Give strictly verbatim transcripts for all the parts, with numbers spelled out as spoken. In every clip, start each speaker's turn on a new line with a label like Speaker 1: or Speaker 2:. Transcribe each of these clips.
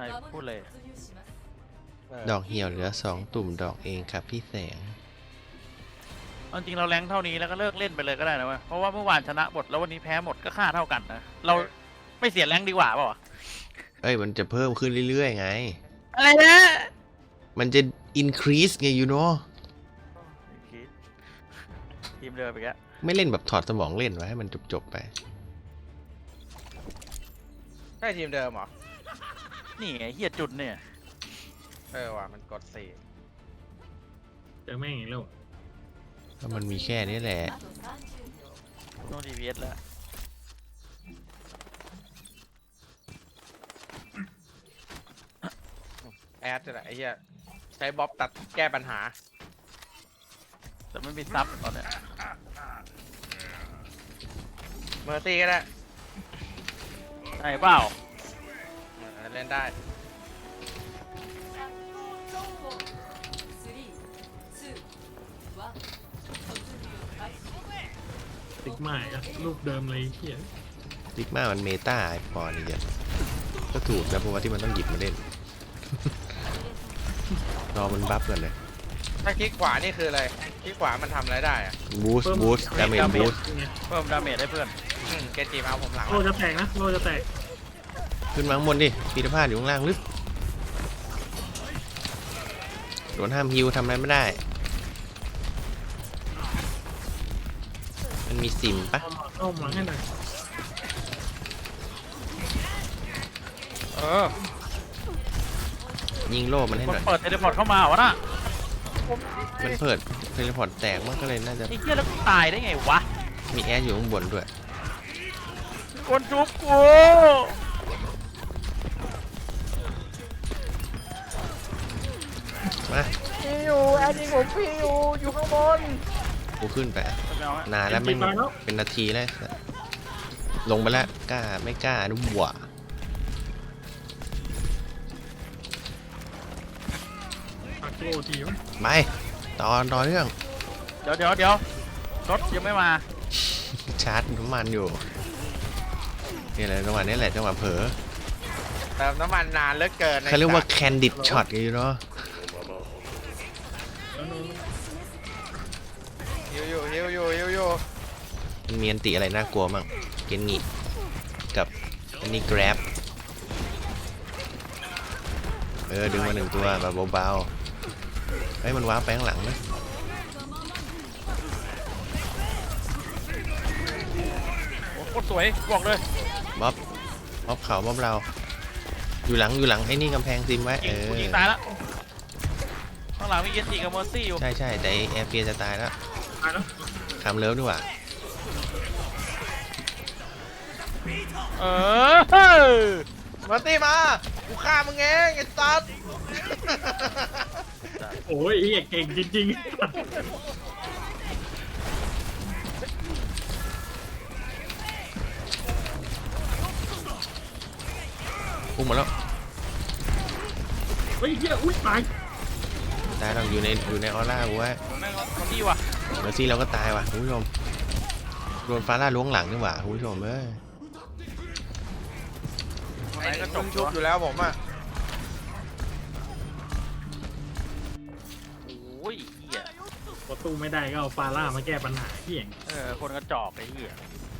Speaker 1: พูดเลย
Speaker 2: ดอกเหี่ยวเหลือสองตุ่มดอกเองครับพี่แสง
Speaker 1: เอาจริงเราแรงเท่านี้แล้วก็เลิกเล่นไปเลยก็ได้นะเว้ยเพราะว่าเมื่อวานชนะหมดแล้ววันนี้แพ้หมดก็ค่าเท่ากันนะเราไม่เสียแรงดีกว่าเปล่าวะ
Speaker 2: เอ้ยมันจะเพิ่มขึ้นเรื่อยๆไง
Speaker 1: อะไรนะ
Speaker 2: มันจะ increase ไง you know
Speaker 1: ทีมเดิมไปแก
Speaker 2: ไม่เล่นแบบถอดสมองเล่นไว้ให้มันจบๆไป
Speaker 3: ใช่ทีมเดิมเหรอ
Speaker 1: นี่ไงเฮียจุดเนี่ย
Speaker 3: เออว่ะมันกดสี่
Speaker 4: เจอแม่งอีกแล้ว
Speaker 2: ก็มันมีแค่นี้แหละ
Speaker 1: ต้องดีพีเอสแล้ว
Speaker 3: แอดจะไหนไอ้เหี้ยใช้บ๊อบตัดแก้ปัญหา
Speaker 1: แต่ไม่มีซับตอนเนี้ย
Speaker 3: เมอร์ซี่ก็ได้
Speaker 1: ใช่เปล่า
Speaker 3: เล่นได้
Speaker 4: ติ๊กใหม่อะรูปเดิมเลยเฮีย
Speaker 2: ติ๊กมามันเมตาไอปอนนี่เยอะก็ถูกนะเพราะว่าที่มันต้องหยิบมาเล่น รอมันบัฟกันเลย
Speaker 3: ถ้าคลิกขวานี่คืออะไรคลิกขวามันทำอะไรได้อะ
Speaker 2: บูสต์บูสต์ดาเมจบูสต์
Speaker 1: เพิ่มดาเมจให้เพื่อน
Speaker 3: เกจิมาผมหลัง
Speaker 4: โลจะแตกนะโลจะแตก
Speaker 2: ขึ้นมาข้างบนดิปีตาพาดอยู่ข้างล่างลึกโดนห้ามฮิวทำอะไรไม่ได้มันมีซิมปะ
Speaker 4: เข้ามาให้หน่อย
Speaker 3: เออ
Speaker 2: ยิงโล่มันให้หน่อย
Speaker 1: เปิดเทเลพอร์ตเข้ามาวะน่ะ
Speaker 2: มันเปิดเทเลพอร์ตแตกมันก็เลยน่าจะ
Speaker 1: ไอ้เหี้ยแล้วตายได้ไงวะ
Speaker 2: มีแอร์อยู่ข้างบนด้วย
Speaker 1: คนชุบกู
Speaker 2: มา
Speaker 3: พี่อยู่แอดยิงผมพี่อยู่อยู่ข้างบน
Speaker 2: กูขึ้นไปนานแล้วไม่เป็นนาทีแล้วลงไปแล้วกล้าไม่กล้านุ่มหวะ
Speaker 4: โลทีมั้ย
Speaker 2: ไปตอนต่อเรื่อง
Speaker 1: เดี๋ยวเดี๋ยวเดี๋ยวรถยังไม่มา
Speaker 2: ชาร์จน้ำมันอยู่นี่แหละจังหวะนี้แหละจังหวะเผลอ
Speaker 3: เติมน้ำมันนานเหลือเกิน
Speaker 2: เขาเรียกว่าแคนดิดช็อตกันอยู่เนาะ
Speaker 3: ฮิวอยู่ฮิวอยู่ฮิวอยู่
Speaker 2: มันมีอันติอะไรน่ากลัวมั่งเกนงิกับอันนี้ grab เออดึงมาหนึ่งตัวแบบเบาๆเฮ้ยมันว้าไปข้างหลังนะ
Speaker 1: โอ้โคตรสวยบอกเลย
Speaker 2: บ๊อบบ๊อบเขาบ๊อบเราอยู่หลังอยู่หลังไอ้นี่กำแพงซิมไว้เออ
Speaker 1: ยิงตายแล้วข้างหลังมีเกจิกับเมอร์ซี่อยู่
Speaker 2: ใช่ใช่แต่แอร์เฟียจะตายแล้ว
Speaker 4: ตายแล้ว
Speaker 2: คำเลิฟดีกว่า
Speaker 1: เออ
Speaker 3: มาตีมากูฆ่ามึงเองไอ้ตัด
Speaker 4: โอ้ยเฮียเก่งจริงๆ
Speaker 2: พุ่งมาแล้ว
Speaker 4: เฮ้ยเฮียอุ้ยตาย
Speaker 2: ตายเราอยู่ในอยู่ในออร่ากูไว้
Speaker 1: แม่งคนที่ว่ะ
Speaker 2: เดี๋ยวซี่เราก็ตายว่ะคุณผู้ชมโดนฟ้าล่าล้วงหลังนี่หว่าคุณผู้ชมเอ้ย
Speaker 3: ไอ้ก็จบชุบอยู่แล้วผมอ่ะ
Speaker 1: โอ้ยเหี้ย
Speaker 4: ประตูไม่ได้ก็เอาฟาร่ามาแก้ปัญหาเฮีย
Speaker 1: เออคนกระจอกไอ้เหี้ย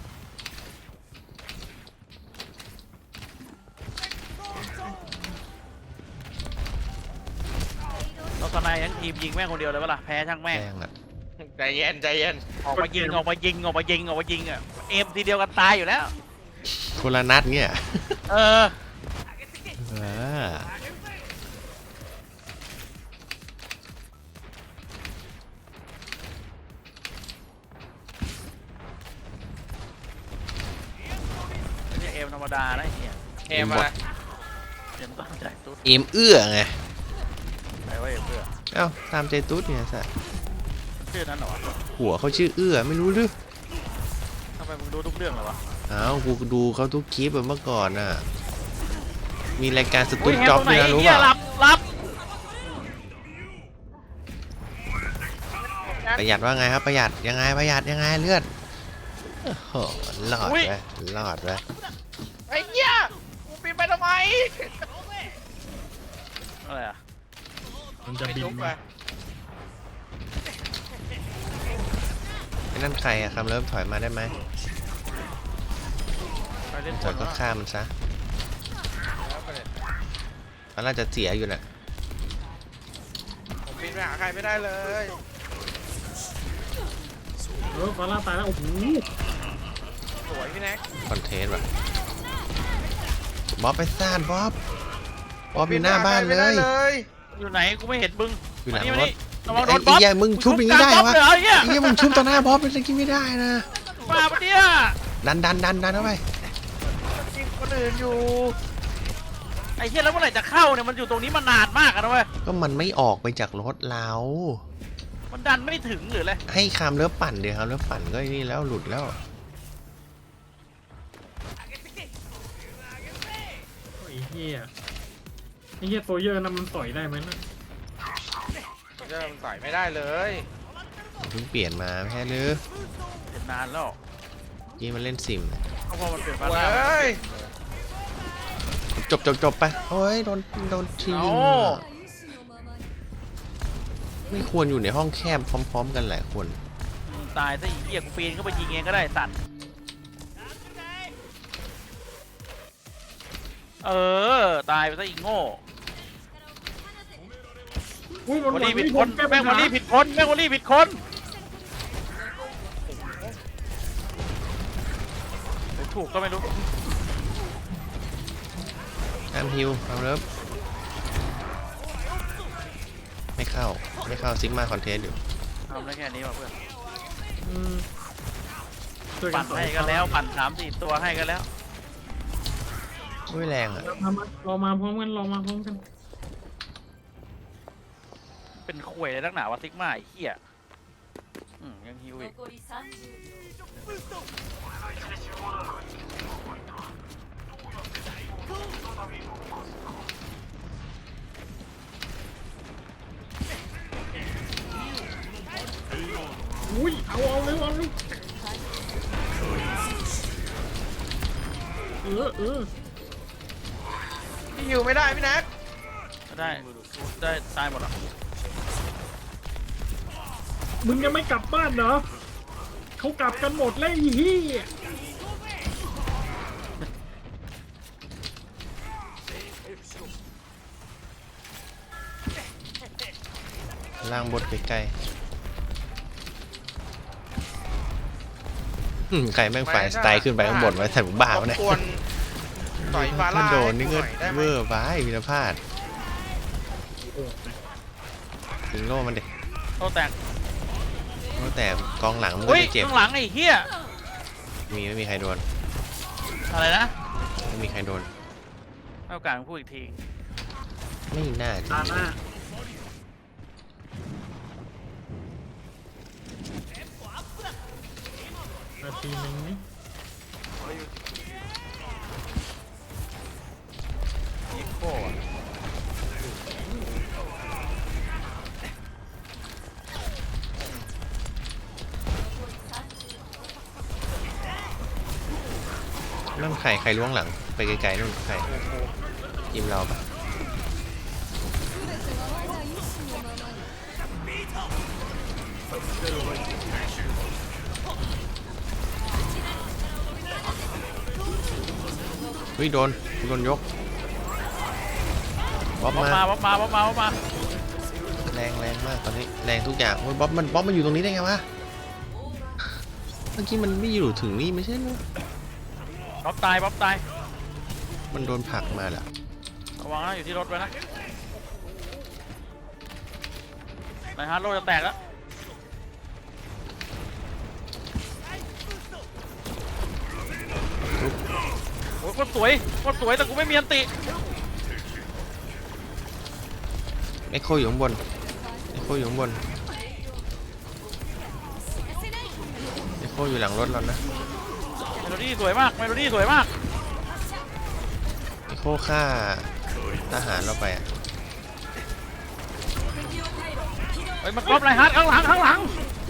Speaker 1: เราสนายทั้งทีมยิงแม่งคนเดียวเลยเปล่าแพ้ช่างแม่ง
Speaker 3: ใจเย็นใจเย็น
Speaker 1: ออกมายิงออกมายิงออกมายิงออกมายิงอ่ะเอมทีเดียวกันตายอยู่แล้ว
Speaker 2: คนละนัดเนี่ย
Speaker 1: เออเอมธรรมดานะไอ้เหี้ย
Speaker 3: เอมอะไร
Speaker 1: เอมตามใจตุ๊ด
Speaker 2: เอมเอื้อไง
Speaker 1: ไหนว่าเอมเอื้อ
Speaker 2: เอ้าตามใจตุ๊ดเนี่ยสัส
Speaker 1: ชื่อนั้นเหรอ
Speaker 2: หัวเขาชื่อเอื้อไม่รู้หรือ
Speaker 1: ทำไมมึงดูทุกเรื่องเหรอวะ
Speaker 2: อ้าวกูดูเขาทุกคลิปแบบเมื่อก่อนน่ะมีรายการสตูดจ็อบด้วยนะรู้ป่ะ
Speaker 1: รับรับ
Speaker 2: ประหยัดว่าไงครับประหยัดยังไงประหยัดยังไงเลือดโอ้โหรอดไปรอดไป
Speaker 3: ไอ้เหี้ยกูปีนไปทำไม
Speaker 1: อะไรอ่ะ
Speaker 4: มันจะ
Speaker 3: ไป
Speaker 4: บิน
Speaker 3: ทุบไป
Speaker 4: มา
Speaker 2: ไอ้นั่นใครอะคำเริ่มถอยมาได้ไหม
Speaker 1: ไปเล่น
Speaker 2: ถ
Speaker 1: บ
Speaker 2: อย
Speaker 1: น
Speaker 2: ก็
Speaker 1: วะ
Speaker 2: ฆ่ามันซะ
Speaker 3: แล้วประเด็น
Speaker 2: มันน่าจะเสียอยู่แหละ
Speaker 3: ผมบินไปหาใครไม่ได้เลย
Speaker 4: เออฟาร่าตายแล้วโอ้โห
Speaker 3: สวยพี่แน็ก
Speaker 2: คอนเทนต์ว่ะบ๊อบไปซ่านบ๊อบบ๊อบอยู่หน้าบ้านเล
Speaker 3: บิไปหใคร
Speaker 2: ย
Speaker 3: ไม่ได้เลย
Speaker 1: อยู่ไหนกูไม่เห็นมึง
Speaker 2: อยู่หลัง
Speaker 1: มาร
Speaker 2: ถ
Speaker 1: นี่ระวังโด
Speaker 2: ไอ้
Speaker 1: นบ๊อบ
Speaker 2: เหี้ยมึงชุบอย่างนี้ได้
Speaker 1: กลาง
Speaker 2: วะ
Speaker 1: บ๊อบเลยเหรอ
Speaker 2: ไอ้เหี้ยมึงชุบต่อหน้าบ๊อบเป็นอะไรกินไม่ได้นะ
Speaker 1: บ้าปะเนี่ย
Speaker 2: ดันดันดันดันเข้าไป
Speaker 1: ยิงคนอื่นอยู่ไอ้เหี้ยแล้วเมื่อไหร่จะเข้าเนี่ยมันอยู่ตรงนี้มานานมากอะนะเว้ย
Speaker 2: ก็มันไม่ออกไปจากรถเรา
Speaker 1: มันดันไม่ถึงหรืออะไร
Speaker 2: ให้คำเลือปั่นเดี๋ยวคำเลือปั่นก็ไอ้นี่แล้วหลุดแล้ว
Speaker 4: ไอ้เหี้ยไอ้เหี้ยโซเยอร์นั่นมันต่อยได้ไหมนะ
Speaker 3: เริ่มใส่ไม่ได้เลย
Speaker 2: เพิ่งเปลี่ยนมาไม่ใช่หรือ
Speaker 1: เห็นนานแล้ว
Speaker 2: ยี่มันเล่นซิม
Speaker 1: เพราะพอมันเปลี่ยน
Speaker 3: โอ้
Speaker 1: ฟาร่า
Speaker 3: ย
Speaker 2: จบจบจบไปโอ้ยโดนโดนที
Speaker 1: เอา
Speaker 2: ยิงอะไม่ควรอยู่ในห้องแคบพร้อม ๆ กันหลายคน
Speaker 1: ตายซะอีเหี้ยกูปีนเข้าไปยิงเองก็ได้ตัดเออตายไปซะอีโง่
Speaker 4: อุ้ยมัน
Speaker 1: วอล
Speaker 4: หวั
Speaker 1: ลี่
Speaker 4: ง
Speaker 1: ผิด
Speaker 4: ที่
Speaker 1: ค
Speaker 4: ผม
Speaker 1: น
Speaker 4: แก้ปั
Speaker 1: แม่
Speaker 4: ญ
Speaker 1: งวอ
Speaker 4: หา
Speaker 1: ลลี่ผิดคนแม่งวอลลี่ผิดคนถูกก็ไม่รู้
Speaker 2: ห้ามฮิวเอาเริ่มไม่เข้าไม่เข้าซิกมาคอนเทนต์อยู่
Speaker 1: ทำได้แค่นี้ว่ะเพื่อน
Speaker 4: อืมช่วยกั
Speaker 1: ปั่
Speaker 4: น
Speaker 1: น
Speaker 4: ต่อย
Speaker 1: ให้กันแล้วปั่นสามสี่ตัวให้กันแล้ว
Speaker 2: ไม่แรงอ่ะ
Speaker 4: มามารอมาพร้อมกันรอมาพร้อมกัน
Speaker 1: เป็นข่วยเลยนักหนาวะซิกมาไอ้เหี้ยอืมยังฮิวอีก
Speaker 5: 残りさんじゅうびょう
Speaker 4: อุ้ยเอาเอาเลยเอาเลยเออเออ
Speaker 3: พี่ฮิวไม่ได้พี่แน็ก
Speaker 1: ได้ได้ตายหมดอ่ะ
Speaker 4: มึงยังไม่กลับบ้านเหรอเขากลับกันหมดแล้วไอ้เหี้ย
Speaker 2: ล่างบดใกล้ๆอืมใครแม่งฝ่ายสไตล์ขึ้นไปข้างบนไว้แต่ผมบ้า
Speaker 3: ข
Speaker 2: วะเนี่ย
Speaker 3: ควรต่อยฟาร่า
Speaker 2: ถ้าโดนนี่ก็
Speaker 3: ให้หอยได้ไห
Speaker 2: เว
Speaker 3: ม
Speaker 2: อร์ไปวินพลาดยิงโล่มันเด็ก
Speaker 1: โตแตก
Speaker 2: แต่กองหลังมันก็
Speaker 1: อุ้ย
Speaker 2: จะเจ็บ
Speaker 1: ข้างหลังไอ้เหี้ย
Speaker 2: มีไม่มีใครโดน
Speaker 1: อะไรนะ
Speaker 2: ไม่มีใครโดน
Speaker 1: ให้โอกาสมึงพูดอีกที
Speaker 2: ไม่น่าจะ
Speaker 4: ตาหน้านาทีหนึ่งนี่
Speaker 1: ยิงโก้อะ
Speaker 2: นั่นใครใครล้วงหลังไปไกลๆนู่นใครทีมเราปะเฮ้ยโดนโดนยกบ๊อบ
Speaker 1: บ๊อบ
Speaker 2: มา
Speaker 1: มาบ๊อบมาบ๊อบมาบ๊อบมา
Speaker 2: แรงแรงมากตอนนี้แรงทุกอย่างโอ้ยบ๊อบมันบ๊อบมันอยู่ตรงนี้ได้ไงวะเมื่อกี้มันไม่อยู่ถึงนี่ไม่ใช่เหรอ
Speaker 1: บ๊อบตายบ๊อบตาย
Speaker 2: มันโดนผลักมาแหละ
Speaker 1: ระวังนะอยู่ที่รถไว้นะนายฮาร์ดโลจะแตกแล้วโอ้ยโคตรสวยโคตรสวยแต่กูไม่มีอันติ
Speaker 2: เอ็กโคอยู่ข้างบนเอ็กโคอยู่ข้างบนเอ็กโคอยู่หลังรถเรานะ
Speaker 1: เมโลดี้สวยมากเมโลดี้สวยมาก
Speaker 2: เอ็กโคฆ่าทหารเราไปอะ
Speaker 1: เฮ้ยมันก๊อปนายฮาร์ดข้างหลังข้างหลัง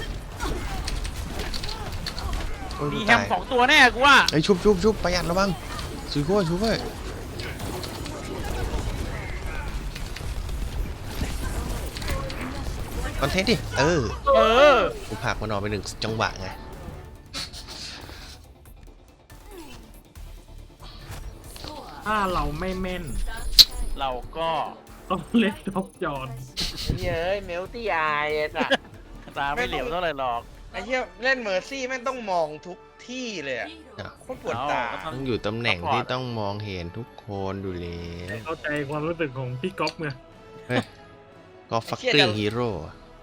Speaker 2: โอ้ย
Speaker 1: มี
Speaker 2: กู
Speaker 1: แฮ
Speaker 2: ตาม ย
Speaker 1: สองตัวแน่กูว่า
Speaker 2: ไอ้ยชุบชุบชุบประหยัดระวังสุยโก้ชุบเว้ยคอนเทนต์ดิเออ
Speaker 1: เออ
Speaker 2: กูผลักมันออกไปหนึ่งจังหวะไง
Speaker 4: ถ้าเราไม่แม่น
Speaker 1: เราก็
Speaker 4: ต้องเล่นท็อปจอน
Speaker 3: ไอ้เหี้ยเอ้ยเมลตี้อายไอ้สัส
Speaker 1: ตาไม่เหลียวเท่าไหร่หรอก
Speaker 3: ไอ้เหี้ยเล่นเมอร์ซี่แม่งต้องมองทุกที่เลยอะโคตรปวดตา
Speaker 1: เอา
Speaker 2: ต้องอยู่ตำแหน่งที่ต้องมองเห็นทุกคนดูเลย
Speaker 4: เข้าใจความรู้สึกของพี่ก๊อฟไง
Speaker 2: ก็ฟักกิ้งฮีโร่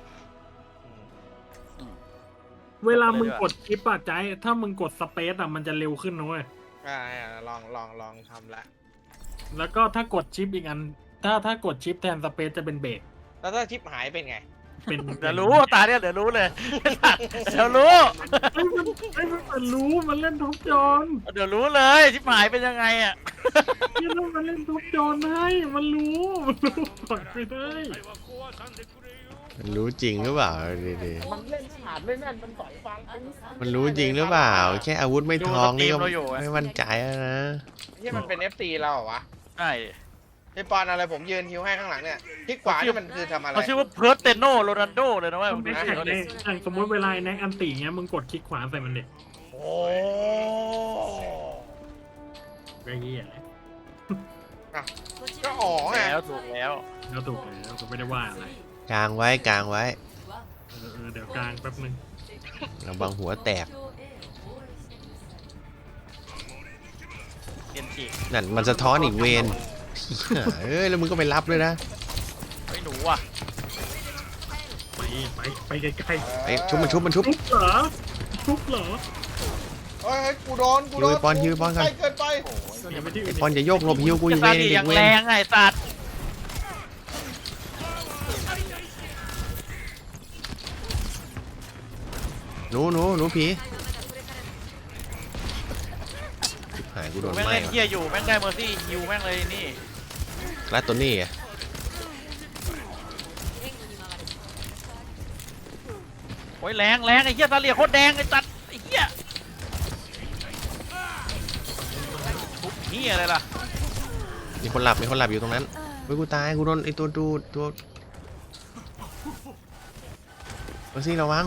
Speaker 4: เวลามึงกดชิปอะใจถ้ามึงกดสเปซอะมันจะเร็วขึ้นนะเว้ย
Speaker 3: อ่าลองลองลองทำละ
Speaker 4: แล้วก็ถ้ากดชิปอีกอัน ถ้าถ้ากดชิปแทนสเปซจะเป็นเบรก
Speaker 3: แล้วถ้าชิปหายเป็นไง
Speaker 4: เป็น
Speaker 1: เดี๋ยวรู้ตาเนี่ยเดี๋ยวรู้เลย เดี๋ยวรู้
Speaker 4: ไอ้มันไอ้มันรู้มันเล่นท็อปจอน
Speaker 1: เดี๋ยวรู้เลยชิบหายเป็นยังไงอ่ะ
Speaker 4: นี่แล้วมันเล่นท็อปจอนให้มันรู้มันรู้กดไปได้
Speaker 2: มันรู้จริงหรือเปล่าดี
Speaker 3: มันเล่นขาดไม่แม่นมันต่อยฟัง
Speaker 2: ๆมันรู้จริงหรือเปล่า แค่อาวุธไม่ทองนี่ก็
Speaker 1: ดูสตรีมเราอยู่อะ
Speaker 2: ไม่มั่นใจแล้วนะ
Speaker 3: ที่มันเป็น เอฟ ซี เราเหรอวะ
Speaker 1: ใช่
Speaker 3: ไอปอนอะไรผมยืนฮิวให้ข้างหลังเนี่ยที่ขวานี่มันคือทำอะไร
Speaker 1: เขาชื่อว่าเพิร์ตเตโนโรนัลโดเลยนะเว่า
Speaker 4: มัน
Speaker 1: มึง
Speaker 4: ไม่
Speaker 1: ดู
Speaker 4: แข่
Speaker 1: ชื่
Speaker 4: ง
Speaker 1: อเขา
Speaker 4: เล
Speaker 1: ดิ
Speaker 4: ยอย่างสมมติเวลาไอ้แน็กอันตีเงี้ยมึงกดคลิกขวาใส่มันเด็ก
Speaker 3: โอ้
Speaker 4: ไอ้เหี้ย
Speaker 3: ก็อ๋อไง
Speaker 1: แล้วถูกแล้ว
Speaker 4: แล้วถูกแล้วก็ไม่ได้ว่าอะไร
Speaker 2: กลางไว้กลางไว้
Speaker 4: เออเออเดี๋ยวกลางแป๊บนึง
Speaker 2: ระวังหัวแตก
Speaker 1: เกนจิ
Speaker 2: นั่นมันสะท้อนอีกเวนเอ้ยแล้วมึงก็ไปรับเลยนะ
Speaker 1: ไอ้หนูอ่ะ
Speaker 4: ไปไปไปไกล
Speaker 2: ไอ้ชุบมันชุบมันชุบ
Speaker 4: ๆทุบเหรอทุบเหรอ
Speaker 3: เฮ้ยกูโดนกูโด
Speaker 2: ฮิ
Speaker 3: น
Speaker 2: วไอ้ปอนฮิวไอ้ปอนก่อน
Speaker 3: ใกล้เกินไป
Speaker 4: อย่าไปที่อื่
Speaker 2: ไอ้
Speaker 4: น
Speaker 2: ปอนอย่าโยกหลบฮิวกูอ
Speaker 1: จะ
Speaker 2: ยู่
Speaker 1: ตา
Speaker 2: เวน
Speaker 1: ดี
Speaker 2: เด็
Speaker 1: อก ย่าง
Speaker 2: เว
Speaker 1: แร
Speaker 2: น
Speaker 1: งไงสัตว์
Speaker 2: หนูหนูหนูผีชิบหายกูโดน
Speaker 1: แม่ง
Speaker 2: ไหม้
Speaker 1: เล่น
Speaker 2: ว่ะ
Speaker 1: เฮียอยู่แม่งได้เมอร์ซี่ฮิวแม่งเลยนี่
Speaker 2: แล้วตัวนี้อ่ะ
Speaker 1: โอ้ยแรงแรงไอ้เฮียตาเลียโคตรแดงไอ้สัตว์ไอ้เฮียทุบเฮียอะไรล่ะ
Speaker 2: มีคนหลับมีคนหลับอยู่ตรงนั้นเฮ้ยกูตายกูโดนไอ้ตัวดูตัวมาสิระวัง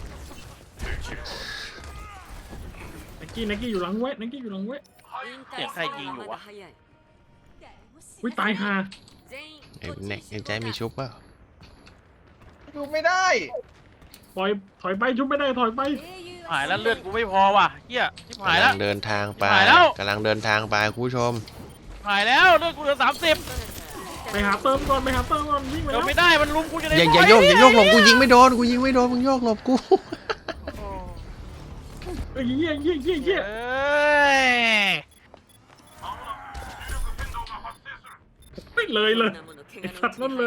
Speaker 4: นักกี้นักกี้อยู่หลังเว้ยนักกี้อยู่หลังเว้ย
Speaker 1: เสียงใครยิงอยู่วะ
Speaker 4: อุ้ยตายห่า
Speaker 2: ไอ้เน็กไอ้ใจมีชุบเปล่า
Speaker 3: ดูไม่ได้
Speaker 4: ปล่อยถอยไปชุบไม่ได้ถอยไป
Speaker 1: หายแล้วเลือดกูไม่พอว่ะเฮียชิบหาย
Speaker 2: กำ
Speaker 1: แล้
Speaker 2: ลั
Speaker 1: ว
Speaker 2: งเดินทางไป
Speaker 1: หายแล้ว
Speaker 2: กำลังเดินทางไปคุณผู้ชม
Speaker 1: หายแล้วเลือดกูเหลือสามสิบ
Speaker 4: ไปหาเติมก่อนไปหาเติมก่อนวิ่งไป
Speaker 1: เดี๋
Speaker 4: แล้
Speaker 1: ยว
Speaker 4: ว
Speaker 1: ไม่ได้มันลุมกูจะได้
Speaker 2: อย่าอย่าโยกอย่าโยกหลบกูยิงไม่โดนกูยิงไม่โดนมึงโยกหลบกู
Speaker 4: เอ้ยเยี่ยเยี่ยเยี่ยเยี่ย
Speaker 1: เอ้ย
Speaker 4: ไม่เลยเลยไอ้สัตว์นั่นเลย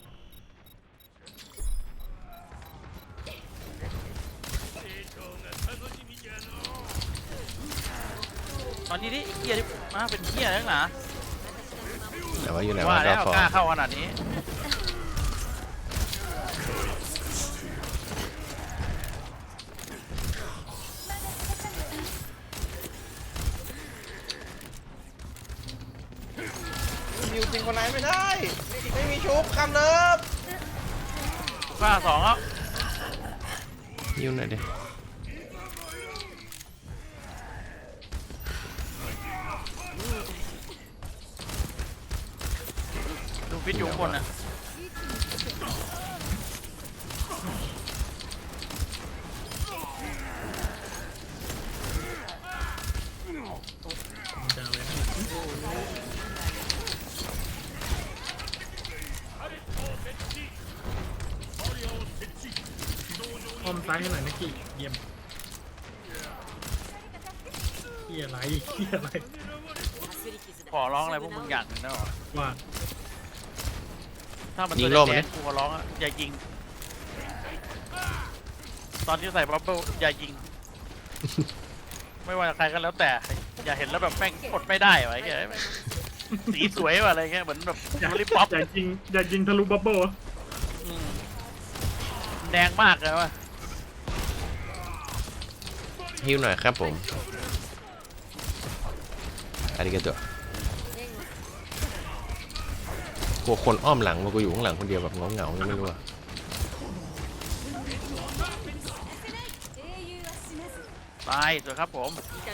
Speaker 1: ตอนนี้นี่ไอ้เฮียที่มาเป็นเฮียแล้วนะ
Speaker 2: แต่ว่าอยู่ไหน
Speaker 1: ว่า
Speaker 2: ว่า
Speaker 1: แล้
Speaker 2: ก็
Speaker 1: ว
Speaker 2: ฟอก
Speaker 1: ล้าเข้าขนาดนี้
Speaker 3: ฮิวจริงคนไหนไม่ได้ ไม่มีชุบคำเนิบ
Speaker 1: กล้าสองแล้ว
Speaker 2: ยิ้วหน่อยดิ
Speaker 1: ดูฟิตอยู่ข้างบนนะ
Speaker 4: จะเอาเลยอ้อมซ้ายให้หน่อยนักกี้เยี่ยมเฮียอะไรเฮียอะไร
Speaker 1: ขอร้องอะไรพวกมึงอย่างหนึงนะวะ
Speaker 4: ว่า
Speaker 1: ถ้ามัน
Speaker 2: ยิ
Speaker 1: ตัว
Speaker 2: งโล่มัน
Speaker 1: แด
Speaker 2: ดิ
Speaker 1: งๆกูขอร้องอะอย่ายิง ตอนที่ใส่บับเบิ้ลอย่ายิง ไม่ว่าใครก็แล้วแต่ อย่าเห็นแล้วแบบแม่งกดไม่ได้วะไอ้เงี้ยแม่งสีสวยว่ะอะไรเงี้ยเหมือนแบบ
Speaker 4: อยาก
Speaker 1: ลิปป๊อป
Speaker 4: อยากยิงอยากยิงทะลุบับเบิ้ล
Speaker 1: อืมแดงมากเลยวะ
Speaker 2: ฮิวหน่อยครับผมอาริกาโตะกลัวคนอ้อมหลังมากูอยู่ข้างหลังคนเดียวแบบเงาๆยังไม่รู้อะ
Speaker 1: ตายสวยครับผม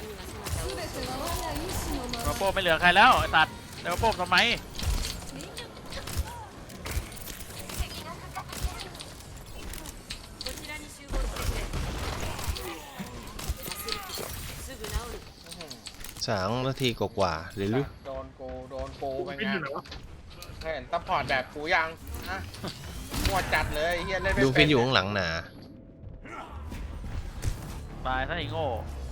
Speaker 1: มาโป้ไม่เหลือใครแล้วไอ้ตัดเดี๋ยวมาโป้ทำไม
Speaker 2: สามนาทีกว่าๆหรือลึก
Speaker 3: โดนกูโดนกูไป
Speaker 4: วิน
Speaker 3: ไง
Speaker 4: อยู่ไหนวะ
Speaker 3: เห็นซัพพอร์ตแบบกูยังนะมัวจัดเลยไอ้เฮียเล่นไม่
Speaker 2: ดู
Speaker 3: เป็
Speaker 2: ฟิ
Speaker 3: น
Speaker 2: นอยู่ข้างหลังหนา
Speaker 1: ตายซะไอ้โง่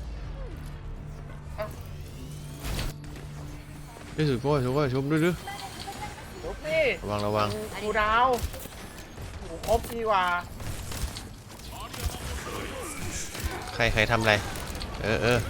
Speaker 2: ด้วยสุดโป้ชุบโป้ชุบด้วยด้วย
Speaker 3: ลุกนี่
Speaker 2: ระวังระวัง
Speaker 3: กูดาวกูครบดีกว่า
Speaker 2: ใครใครทำอะไรเออเออ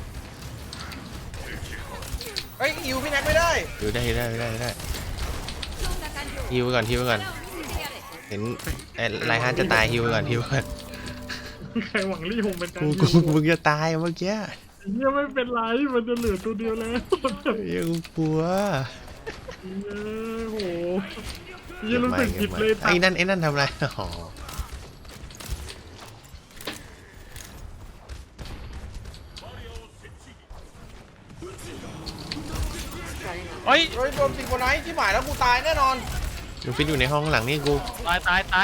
Speaker 3: เฮ้ยอิวพี่แน็กไม่ได้
Speaker 2: อยู่ได้ได้ได้ได้ฮิวไปก่อนฮิวไปก่อนเห็นไอ้ไลฮานจะตายฮิวไปก่อนฮิวไปก่อน
Speaker 4: ใครหวังลี่หงเป็นการ
Speaker 2: กู
Speaker 4: ยิ
Speaker 2: กู
Speaker 4: ง
Speaker 2: มึงจะตายเมื่อกี้
Speaker 4: เฮียไม่เป็นไรมันจะเหลือตัวเดียวแล้ว
Speaker 2: ยังกลัว
Speaker 4: เฮียโหเฮียรู้สึกผิดเลย
Speaker 2: ไอ้นั่นไอ้นั่นทำอะไรอ๋อ
Speaker 1: เฮ้ย
Speaker 3: โดยโดนติงโกไนท์ที่หมายแล้วกูตายแน่นอน
Speaker 2: ดูฟินอยู่ในห้องหลังนี่กู
Speaker 1: ตายตายตาย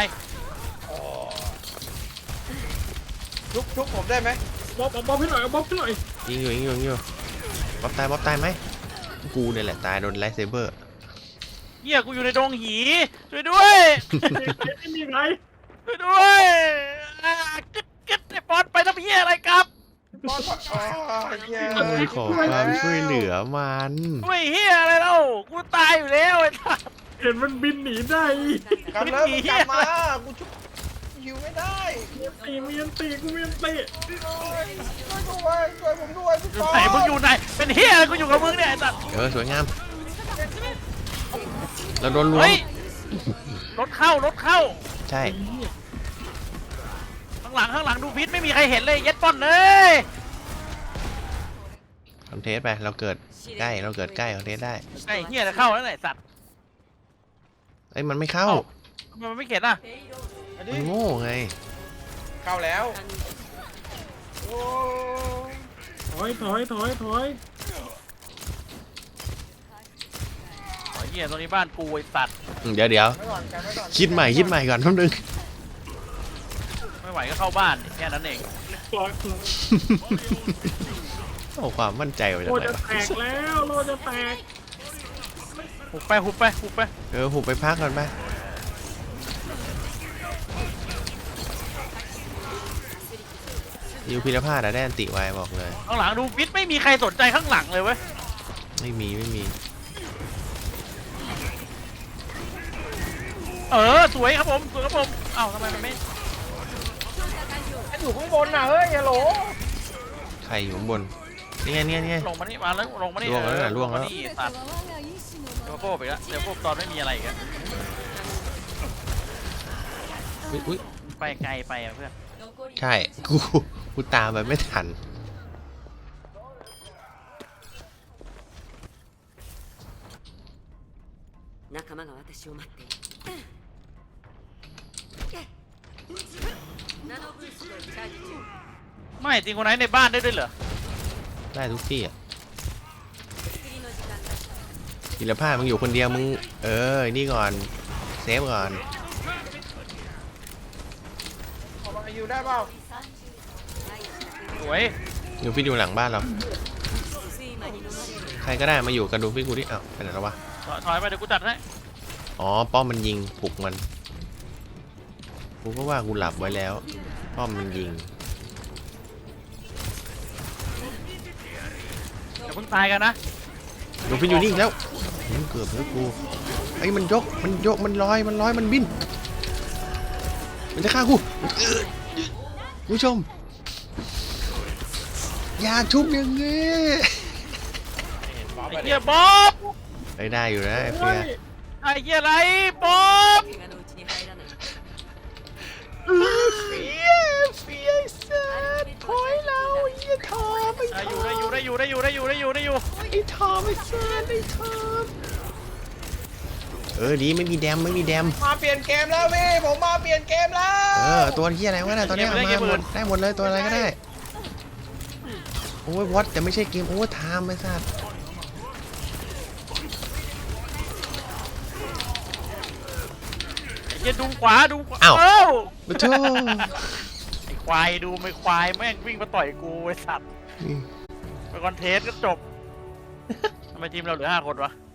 Speaker 3: ชุบชุบผมได้ไหม
Speaker 4: บ๊อบบ๊อบให้หน่อยบ๊อบให้หน่อย
Speaker 2: ยิงอยู่ยิงอยู่ยิงอยู่บ๊อบตายบ๊อบตายไหมกูเนี่ยแหละตายโดนไลท์เซเบอร์
Speaker 1: เฮียกูอยู่ในดงหีช่วยด้วย
Speaker 4: ไม่มีใคร
Speaker 1: ช่วยด้วยอ่ากึดกึดไอ้บอลไปทำเฮียอะไรครับ
Speaker 3: บอลอ๋อเหี้ย
Speaker 2: เอ้ยขอความช่วยเหลือมัน
Speaker 1: ช่วยเฮียอะไรเล่ากูตายอยู่แล้วไอ้สัส
Speaker 4: เห็นมันบินหนีได้
Speaker 3: กลับเลยมึงกลับมากูชุบหิวไม่ได้
Speaker 4: ตีเมียนตีกูเมียนตี
Speaker 3: ช่วยด้วยช่วยผมด้วยพี่
Speaker 1: อยู่
Speaker 3: ปอ
Speaker 1: ไหนมึงอยู่ไหนเป็นเฮียอะไรกูอยู่กับมึงเนี่ยไอ้สัส
Speaker 2: เออสวยงามเราโดนล้วง
Speaker 1: เฮ้ยรถเข้ารถเข้า
Speaker 2: ใช่
Speaker 1: ข้างหลังข้างหลังดูพิษไม่มีใครเห็นเลยเย็ดป้อนเลย
Speaker 2: คอนเทสไปเราเกิดใกล้เราเกิดใกล้คอนเทสได้
Speaker 1: ไอ้เฮียจะเข้าแล้วไหนสัตว์
Speaker 2: เอ้ยมันไม่เข้า
Speaker 1: ทำไมมันไม่เข็นอ่ะ
Speaker 3: อัน
Speaker 2: มั
Speaker 3: นี้
Speaker 2: นโง่ไง
Speaker 3: เข้าแล้วโอ้
Speaker 4: ถอยถอยถอยถอย
Speaker 1: ไอ้เฮียตรงนี้บ้านกูไอ้สัตว์
Speaker 2: อืมเดี๋ยวเดี๋ยว
Speaker 3: ไม่ก่อนกันไม่ก่อน
Speaker 2: คิดใหม่คิดใหม่ก่อนแป๊บนึง
Speaker 1: ไม่ไหวก็เข้าบ้านแค่นั้นเอง
Speaker 4: ปล่อย
Speaker 2: เอาความมั่นใจมาจาก
Speaker 4: โล
Speaker 2: ไหน
Speaker 4: จะ
Speaker 2: วะ
Speaker 4: แตกแล้วโลจะแตก
Speaker 1: หุบไปหุบไปหุบไป
Speaker 2: เออหุบไปพักก่อนไปยูพิรพาดอะได้อันติไวบอกเลย
Speaker 1: ข้างหลังดูพิษไม่มีใครสนใจข้างหลังเลยเว้ย
Speaker 2: ไม่มีไม่มี
Speaker 1: เออสวยครับผมสวยครับผมเอ้าทำไมมันไม่
Speaker 3: ไอ้อยู่ข้างบนน่ะเฮ้ยฮัลโหล
Speaker 2: ใครอยู่ข้างบนนี่ไงนี่ไงนี่ไง
Speaker 1: ลงมานี่มาแล้วลงมานี่
Speaker 2: ล่วงแล้วน่ะ
Speaker 1: เออ
Speaker 2: ล่วงแล้ว
Speaker 1: มานี่สัตว์เดี๋ยวโป๊ไปแล้วเดี๋ยวโป๊ตอนไม่มีอะไรอีกัน
Speaker 2: อุ๊ยอุ๊ย
Speaker 1: ไปไกลไปอ่ะเพื่อน
Speaker 2: ใช่กูกูตามไปไม่ทัน
Speaker 6: 仲間が私を待っているナノブーストをチャージ中
Speaker 1: ไม่จริงคนไหนในบ้านได้ด้วยเหรอ
Speaker 2: ได้ทุกที่อ่ะ
Speaker 6: 次の時間だ
Speaker 2: พิรพาดมึงอยู่คนเดียวมึงเออนี่ก่อนเซฟก่อน
Speaker 3: ออกมาอยู่ได้เปล่า
Speaker 1: สวย
Speaker 2: ดูฟินอยู่หลังบ้านเรา
Speaker 6: 睡魔に飲まれる
Speaker 2: ใครก็ได้มาอยู่กันดูฟินกูดิอ้าวไปไหนแล้ววะ
Speaker 1: ถอยถอยไปเดี๋ยวกูจัดให้
Speaker 2: อ๋อป้อมมันยิงปลุกมันกูก็ว่ากูหลับไว้แล้วป้อมมันยิง
Speaker 1: อย่าเพิ่งตายกันนะ
Speaker 2: ดูฟินอยู่นี่อีกแล้วมันเกือบแล้วกูไอ้ยมันยกมันยกมันลอยมันลอยมันบินมันจะฆ่ากูผู้ชมอย่าชุบอย่างงี้
Speaker 3: บอส
Speaker 1: ไอ้
Speaker 3: ไป
Speaker 1: เหี้ยบ๊อบ
Speaker 2: ไอ้ได้อยู่นะไอ้เฟีย
Speaker 1: ไอ้เหี้ยอะไรบ๊อบ
Speaker 6: 怪我のうちに入らない
Speaker 2: เฟียเฟียสัตว์ถอยแล้วไอ้เหี้ยทอมไอ้
Speaker 1: ได้อยู่ได้อยู่ได้อยู่ได้อยู่ได้อยู่ได้อยู่ได้อยู่
Speaker 2: ไอ้ทอมไอ้สัตว์ไอ้ทอมเออดีไม่มีแดมไม่มีแดม
Speaker 3: มาเปลี่ยนเกมแล้วพี่ผมมาเปลี่ยนเกมแล้ว
Speaker 2: เออตัวที่อะไรวะน่ะตอนนี้เอามาหมดได้หมดเลยตัวอะไรก็ได้โอ้ยวอตแต่ไม่ใช่เกมโอเวอร์ไทม์ไอ้สัส
Speaker 1: ไอ้เหี้ยดูขวาดูขวา
Speaker 2: อ้าว
Speaker 1: เอ้า
Speaker 2: มาเถอะ
Speaker 1: ไอ้ควายดูไม่ควายแม่งวิ่งมาต่อยกูไอ้สัตว์
Speaker 2: นี่
Speaker 1: ไปคอนเทสก็จบทำไมทีมเราเหลือห้าคนวะ